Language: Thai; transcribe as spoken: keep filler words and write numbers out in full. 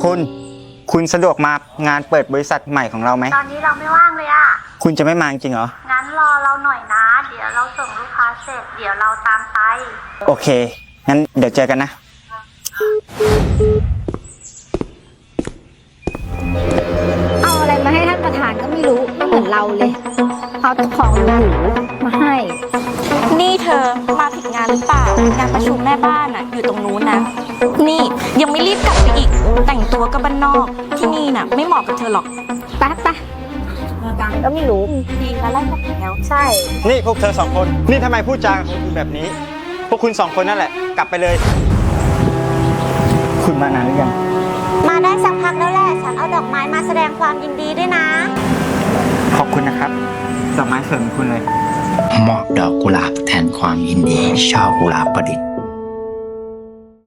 คุณ คุณสะดวกมางานเปิดบริษัทใหม่ของเราไหมตอนนี้เราไม่ว่างเลยอะคุณจะไม่มาจริงเหรองั้นรอเราหน่อยนะ เดี๋ยวเราส่งลูกค้าเสร็จ เดี๋ยวเราตามไปโอเค งั้นเดี๋ยวเจอกันนะเอาอะไรมาให้ท่านประธานก็ไม่รู้ไม่เหมือนเราเลย เอาแต่ของหรูๆมาให้นี่เธอมาผิดงานหรือเปล่า งานประชุมแม่บ้านอะอยู่ตรงนู้นนะ นี่ยังไม่รีบกลับไปอีก แต่งตัวก็บ้านนอก ที่นี่น่ะไม่เหมาะกับเธอหรอกไปไปมาตังก็ไม่รู้ดีแล้วไล่ก็แล้วใช่นี่พวกเธอสองคน นี่ทำไมพูดจากับคนอื่นแบบนี้ พวกคุณสองคนนั่นแหละ กลับไปเลย คุณมานานหรือยังมาได้สักพักแล้วแหละ ฉันเอาดอกไม้มาแสดงความยินดีด้วยนะขอบคุณนะครับ ดอกไม้สวยของคุณเลยมอบดอกกุหลาบแทนความยินดีช่อกุหลาบประดิษฐ์